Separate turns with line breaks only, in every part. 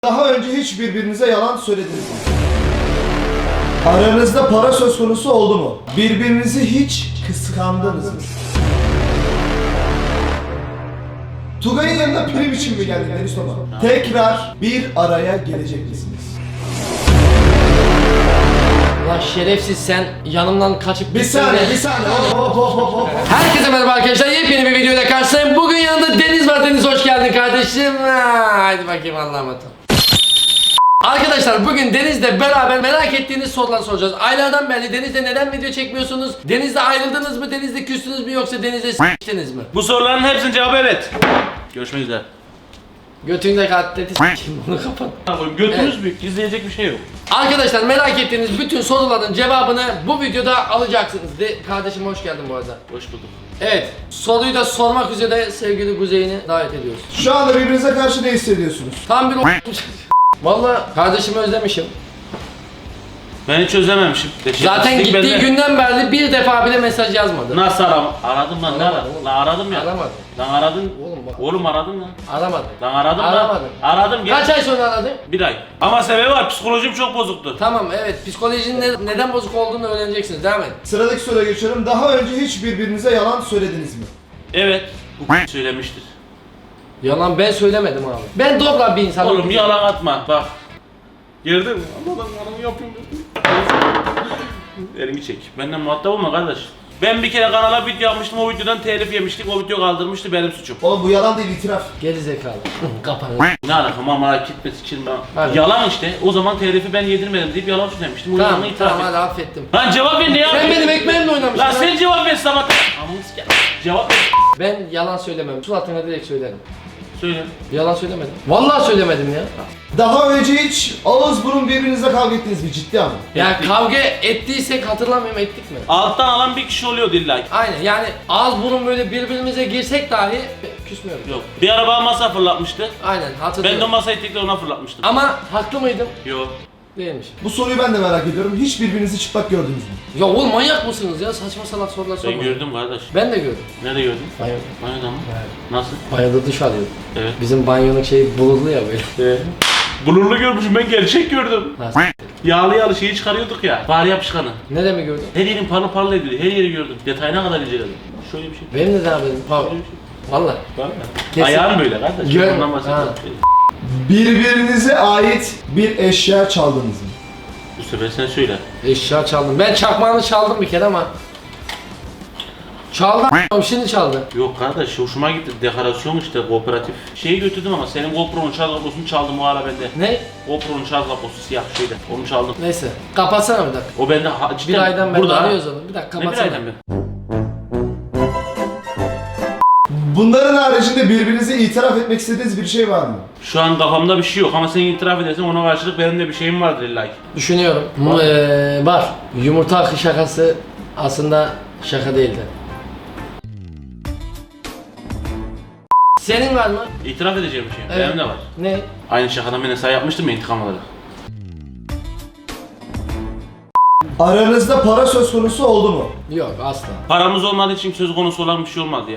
Daha önce hiç birbirinize yalan söylediniz mi? Aranızda para söz konusu oldu mu? Birbirinizi hiç kıskandınız mı? Tugay'ın yanına prim için mi geldin Deniz Toma? Tekrar bir araya gelecek misiniz?
Lan şerefsiz sen yanımdan kaçıp
Bir saniye. Hop.
Herkese merhaba arkadaşlar, yepyeni bir videoyla karşınızdayım. Bugün yanında Deniz var. Deniz hoş geldin kardeşim. Haydi bakayım Allah'a emanet ol. Arkadaşlar bugün Deniz'le beraber merak ettiğiniz sorular soracağız. Aylardan beri Deniz'le neden video çekmiyorsunuz? Deniz'le ayrıldınız mı? Deniz'le küstünüz mü? Yoksa Deniz'le s**tiniz mi?
Bu soruların hepsinin cevabı evet. Görüşmek üzere.
Götünde katleti s**tim, bunu kapat.
Götünüz büyük, gizleyecek bir şey yok.
Arkadaşlar merak ettiğiniz bütün soruların cevabını bu videoda alacaksınız. Kardeşim hoş geldin bu arada.
Hoş bulduk.
Evet, soruyu da sormak üzere sevgili Kuzey'ini davet ediyoruz.
Şu anda birbirinize karşı ne hissediyorsunuz?
Tam bir Vallahi kardeşimi özlemişim.
Ben hiç özlememişim.
Zaten
Pislik
gittiği
bende.
günden beri bir defa bile mesaj yazmadı.
Nasıl aradım lan, ne
Aramadım
aradım?
oğlum.
Lan aradım ya.
Aramadım.
Lan aradın.
Oğlum bak.
Oğlum aradım lan.
Aramadı.
Lan aradım lan.
Aramadım.
Aradım gel.
Kaç ay sonra aradın?
Bir ay. Ama sebebi var, psikolojim çok bozuktu.
Tamam, evet, psikolojinin neden bozuk olduğunu öğreneceksiniz. Devam et.
Sıradaki soruya geçiyorum. Daha önce hiç birbirinize yalan söylediniz mi?
Evet. Bu söylemiştir.
Yalan ben söylemedim abi. Ben dobra bir insanım.
Oğlum yalan atma bak. Girdin mi? Allah'ım yalan yapayım. Elimi çek. Benden muhatap olma kardeş. Ben bir kere kanala video yapmıştım, o videodan telif yemiştik, o video kaldırmıştı, benim suçum.
Oğlum bu yalan değil, itiraf.
Geri zekalı. Kapanın.
Ne alaka, merak etme sikeyim ben.
Hadi.
Yalan işte, o zaman telifi ben yedirmedim deyip yalan söylemiştim, o
Tamam,
yalanı itiraf
tamam,
et.
hadi affettim.
Lan cevap ver, ne
Sen
yapıyorsun?
benim ekmeğimle oynamışsın.
Lan
lan.
sen cevap ver sabah. Amına sikeyim. Cevap ver.
Ben yalan söylemem. Suratına direkt söylerim.
Söyle.
Yalan söylemedim. Vallahi söylemedim ya.
Daha önce hiç ağız burun birbirinizle kavga ettiniz mi? Ciddi ama.
Ya
Ettik.
kavga ettiysek hatırlamıyorum, ettik mi?
Alttan alan bir kişi oluyordu illa ki.
Aynen, yani ağız burun böyle birbirimize girsek dahi küsmüyoruz.
Yok. Bir araba masa fırlatmıştı.
Aynen,
Ben de
hatırlıyorum.
masayı tekrar ona fırlatmıştım.
Ama haklı mıydım?
Yok.
Değilmiş.
Bu soruyu ben de merak ediyorum. Hiç birbirinizi çıplak gördünüz mü?
Ya oğlum manyak mısınız ya? Saçma salak sorular
Ben
sormayın.
gördüm kardeş.
Ben de gördüm.
Nerede gördün?
Banyo.
Banyoda mı? Nasıl?
Banyoda duş alıyordum.
Evet.
Bizim banyonun şeyi bulurlu ya böyle.
Blurlu görmüşüm, ben gerçek gördüm.
Ha,
Yağlı yağlı şeyi çıkarıyorduk ya. Fare yapışkanı.
ne mi gördün?
Her yerin parlı parlı ediyordu. Her yeri gördüm. Detayına kadar inceledim. Şöyle bir şey.
Benim de haberim. Pardon.
Şöyle bir şey.
Valla.
Var ya.
Kesin.
Ayağım böyle kardeş.
Gör-
Ondan bahsediyorum.
Ha.
Birbirinize ait bir eşya çaldınız mı?
Bu sefer sen söyle.
Eşya çaldım. Ben çakmağını çaldım bir kere ama. Çaldı şimdi çaldı.
Yok kardeş, hoşuma gitti. Dekorasyon işte, kooperatif. Şeyi götürdüm ama senin GoPro'nun şarj kablosunu çaldım, o ara bende.
Ne?
GoPro'nun şarj kablosu siyah şeyde. Onu çaldım.
Neyse. Kapatsana bir dakika.
O bende cidden
Bir aydan beri
burada.
arıyoruz onu. Bir dakika
Ne bir
kapatsana.
aydan beri?
Bunların haricinde birbirinize itiraf etmek istediğiniz bir şey var mı?
Şu an kafamda bir şey yok ama sen itiraf edersen ona karşılık benim de bir şeyim vardır illa ki.
Düşünüyorum. Var. Yumurta akı şakası aslında şaka değildi. Senin var mı?
İtiraf edeceğim bir şey.
Evet.
Benim de var.
Ne?
Aynı şakadan ben hesap yapmıştım ya, intikam olarak.
Aranızda para söz konusu oldu mu?
Yok asla.
Paramız olmadığı için söz konusu olan bir şey olmadı ya.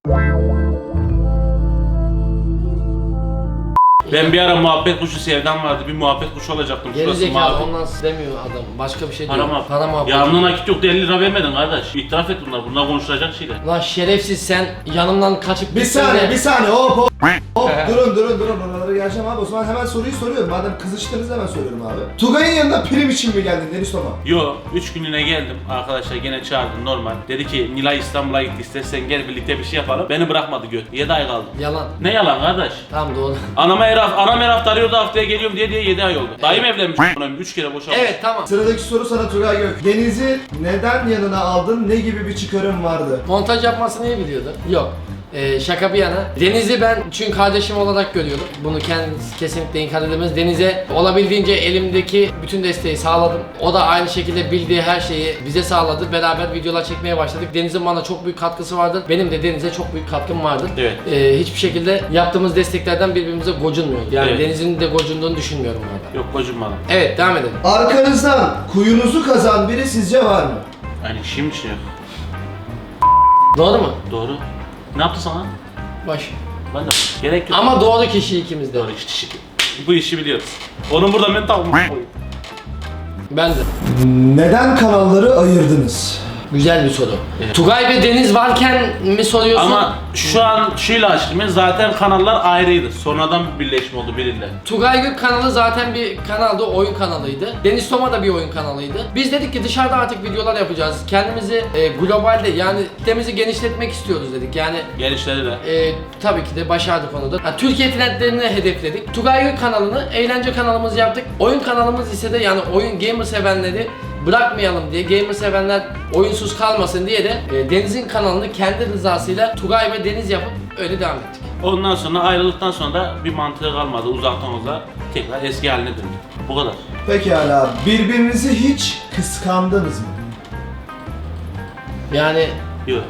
Ben bir ara muhabbet kuşu sevdam vardı. Bir muhabbet kuşu olacaktım.
Geri
Şurası
zekalı
mavi.
ondan demiyor adam. Başka bir şey
Para
diyor.
mı?
Para muhabbeti.
Yanına nakit yok, 50 lira vermedin kardeş. İtiraf et bunlar. Bunlar konuşulacak şeyler.
Lan şerefsiz sen yanımdan kaçıp
Bir
gittin
saniye,
de-
bir saniye. Hop. Durun. Oralara geleceğim abi. O zaman hemen soruyu soruyorum. Madem kızıştınız hemen soruyorum abi. Tugay'ın yanına prim için mi geldin Deniz Toma?
Yo, 3 günlüğüne geldim. Arkadaşlar gene çağırdı normal. Dedi ki Nilay İstanbul'a gitti, istersen gel birlikte bir şey yapalım. Beni bırakmadı göt. 7 ay kaldım.
Yalan.
Ne yalan kardeş?
Tamam doğru.
Anam her hafta arıyordu, haftaya geliyorum diye 7 ay oldu. Dayım evlenmiş. 3 kere boşanmış.
Evet tamam.
Sıradaki soru sana Tugay Gök. Deniz'i neden yanına aldın? Ne gibi bir çıkarım vardı?
Montaj yapmasını iyi biliyordu. Yok. Şaka bir yana. Deniz'i ben çünkü kardeşim olarak görüyorum. Bunu kendisi kesinlikle inkar edemez. Deniz'e olabildiğince elimdeki bütün desteği sağladım. O da aynı şekilde bildiği her şeyi bize sağladı. Beraber videolar çekmeye başladık. Yok. Bana çok büyük katkısı vardır. Benim de Deniz'e çok büyük katkım vardır.
Evet.
Hiçbir şekilde yaptığımız desteklerden birbirimize gocunmuyoruz. Yani
Evet.
Deniz'in de gocunduğunu düşünmüyorum orada.
Yok kocunmadım.
Evet, devam edelim.
Arkanızdan kuyunuzu kazan biri sizce var mı?
Yani şimdi şey yok.
Doğru mu?
Doğru. Ne yaptı sana?
Baş.
Ben de gerek yok.
Ama doğru kişi ikimiz de.
Doğru işte. bu işi biliyoruz. Onun burada mental
Ben de.
Neden kanalları ayırdınız?
Güzel bir soru. Tugay ve Deniz varken mi soruyorsun?
Ama şu an şuyla açtım, zaten kanallar ayrıydı. Sonradan bir birleşme oldu biriyle.
Tugay Gök kanalı zaten bir kanaldı, oyun kanalıydı. Deniz Toma da bir oyun kanalıydı. Biz dedik ki dışarıda artık videolar yapacağız. Kendimizi globalde yani kitlemizi genişletmek istiyoruz dedik. Yani
Genişleri de.
tabii ki de başardık onu da. Yani Türkiye trendlerini hedefledik. Tugay Gök kanalını eğlence kanalımızı yaptık. Oyun kanalımız ise de yani oyun gamer sevenleri bırakmayalım diye, gamer sevenler oyunsuz kalmasın diye de Deniz'in kanalını kendi rızasıyla Tugay ve Deniz yapıp öyle devam ettik.
Ondan sonra ayrıldıktan sonra da bir mantığı kalmadı. Uzaktan uzağa tekrar eski haline döndü. Bu kadar.
Pekala, birbirinizi hiç kıskandınız mı?
Yani
Yok.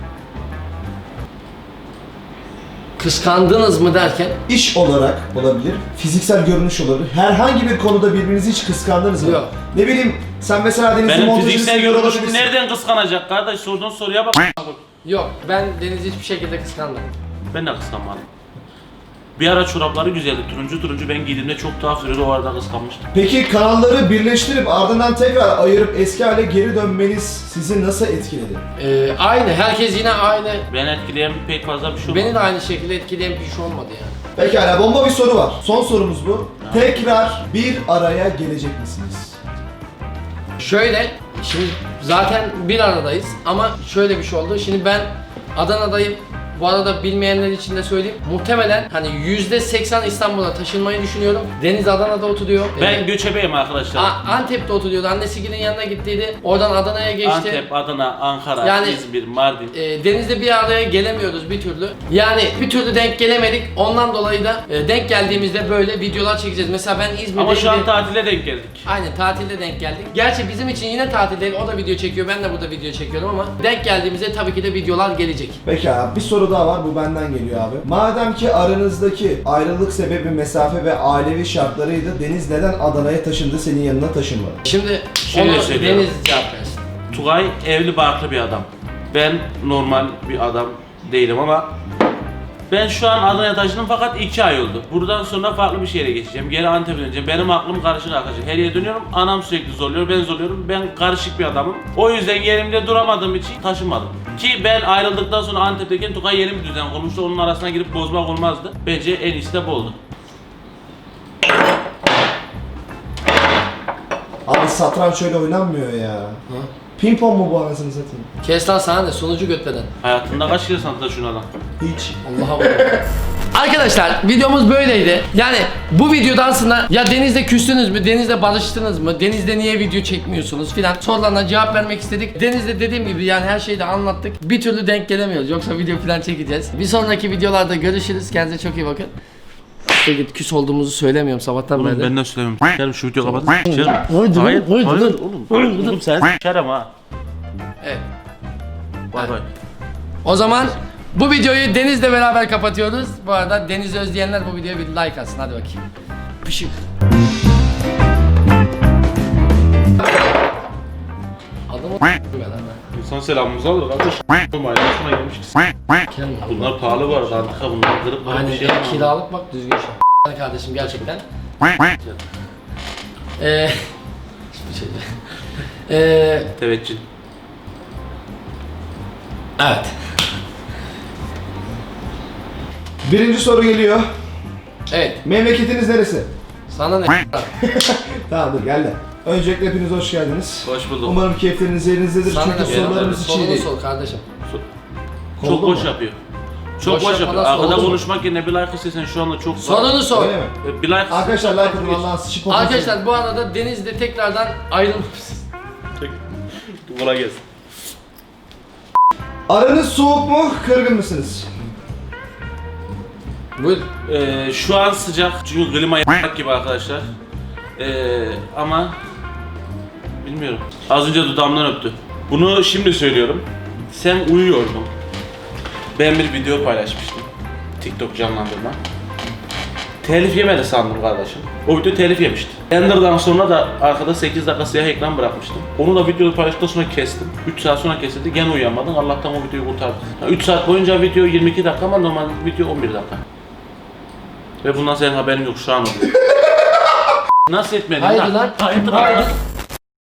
kıskandınız mı derken
İş olarak olabilir, fiziksel görünüş olabilir. Herhangi bir konuda birbirinizi hiç kıskandınız mı?
Yok.
Ne bileyim, sen mesela Deniz'in
Benim
montajını
fiziksel
seviyor
görünüşümü
olabilirsin.
nereden kıskanacak kardeş? Sorduğun soruya bak.
yok, ben Deniz'i hiçbir şekilde kıskanmadım.
Ben de kıskanmadım. Bir ara çorapları güzeldi. Turuncu ben giydiğimde çok tuhaf duruyordu. O arada kıskanmıştım.
Peki kanalları birleştirip ardından tekrar ayırıp eski hale geri dönmeniz sizi nasıl etkiledi?
Aynı, herkes yine aynı.
Ben etkileyen pek fazla bir şey olmadı.
Beni de aynı şekilde etkileyen bir şey olmadı yani.
Pekala, bomba bir soru var. Son sorumuz bu. Tekrar bir araya gelecek misiniz?
Şöyle, şimdi zaten bir aradayız ama şöyle bir şey oldu. Şimdi ben Adana'dayım. Bu arada bilmeyenler için de söyleyeyim. Muhtemelen hani %80 İstanbul'a taşınmayı düşünüyorum. Deniz Adana'da oturuyor.
Ben göçebeyim arkadaşlar.
Antep'te oturuyordu. Annesigil'in yanına gittiydi. Oradan Adana'ya geçti.
Antep, Adana, Ankara,
Yani-
İzmir, Mardin.
Deniz'de bir araya gelemiyoruz bir türlü. Yani bir türlü denk gelemedik. Ondan dolayı da denk geldiğimizde böyle videolar çekeceğiz. Mesela ben İzmir'de...
Ama şu an tatile denk geldik.
Aynen, tatilde denk geldik. Gerçi bizim için yine tatil değil. O da video çekiyor. Ben de burada video çekiyorum ama denk geldiğimizde tabii ki de videolar gelecek.
Pekala, bir soru daha var. Bu benden geliyor abi. Madem ki aranızdaki ayrılık sebebi mesafe ve ailevi şartlarıydı, Deniz neden Adana'ya taşındı, senin yanına taşınmadı?
Şimdi
Şöyle
onu
söylüyorum.
Deniz cevap versin.
Tugay evli barklı bir adam. Ben normal bir adam değilim ama ben şu an Adana'ya taşındım fakat 2 ay oldu. Buradan sonra farklı bir şehre geçeceğim. Geri Antep'e döneceğim. Benim aklım karışık arkadaşlar. Her yere dönüyorum. Anam sürekli zorluyor. Ben zorluyorum. Ben karışık bir adamım. O yüzden yerimde duramadığım için taşınmadım. Ki ben ayrıldıktan sonra Antep'teyken Tugay yeni bir düzen kurmuştu. Onun arasına girip bozmak olmazdı. Bence en iyisi de bu oldu.
Abi satranç şöyle oynanmıyor ya. Pimpon mu bu anasını satayım?
Kes lan sana ne? Sonucu götmeden.
Hayatında kaç kere sanatla şunu adam?
Hiç.
Allah'a bak. Arkadaşlar videomuz böyleydi. Yani bu videodan sonra ya Deniz'le küstünüz mü? Deniz'le barıştınız mı? Deniz'le niye video çekmiyorsunuz filan sorularına cevap vermek istedik. Deniz'le dediğim gibi yani her şeyi de anlattık. Bir türlü denk gelemiyoruz. Yoksa video filan çekeceğiz. Bir sonraki videolarda görüşürüz. Kendinize çok iyi bakın. İşte git küs olduğumuzu söylemiyorum sabahtan beri.
Ben de söylemiyorum. Gel şu videoyu kapatın. Hayır,
hayır,
oğlum sen şerem ha.
Evet.
Bay bay.
O zaman bu videoyu Deniz'le beraber kapatıyoruz. Bu arada Deniz'i özleyenler bu videoya bir like atsın. Hadi bakayım. Pışık. Adamı
İnsan selamımızı alır kardeş. Olmayın, şuna gelmişiz. Bunlar pahalı bu arada, antika bunlar kırıp
Aynen
bir şey
ya,
yapmam.
kiralık bak düzgün şey. Kardeşim gerçekten. Hiçbir şey değil.
Teveccüh.
Evet.
Birinci soru geliyor.
Evet.
Memleketiniz neresi?
Sana ne?
Tamam dur gel de. Öncelikle hepiniz hoş geldiniz.
Hoş bulduk.
Umarım keyifleriniz yerinizdedir
Sana
çünkü
ne?
sorularımız hiç iyi
Sorunu
değil.
sor kardeşim.
Çok
Oldu
boş
mu?
yapıyor. Çok
Boş
boş yapıyor.
yapmadan
Arkada
sorun.
konuşmak yerine bir like istesen şu anda çok
Sorunu sor.
Öyle mi?
Bir like
Arkadaşlar like atın Allah'ın sıçı poposu.
Arkadaşlar bu arada Deniz'le tekrardan ayrılmışız.
Kolay gelsin.
Aranız soğuk mu, kırgın mısınız?
Buyur.
Şu an sıcak çünkü klima yapmak gibi arkadaşlar. Ama bilmiyorum. Az önce dudağımdan öptü. Bunu şimdi söylüyorum. Sen uyuyordun. Ben bir video paylaşmıştım. TikTok canlandırma. Telif yemedi sandım kardeşim. O video telif yemişti. Ender'dan sonra da arkada 8 dakika siyah ekran bırakmıştım. Onu da videoyu paylaştıktan sonra kestim. 3 saat sonra kesildi. Gene uyuyamadım. Allah'tan o videoyu kurtardım. 3 saat boyunca video 22 dakika ama normal video 11 dakika. Ve bundan senin haberin yok şu an oluyor. Nasıl etmedin
Haydi lan.
Haydi
Haydi.
lan.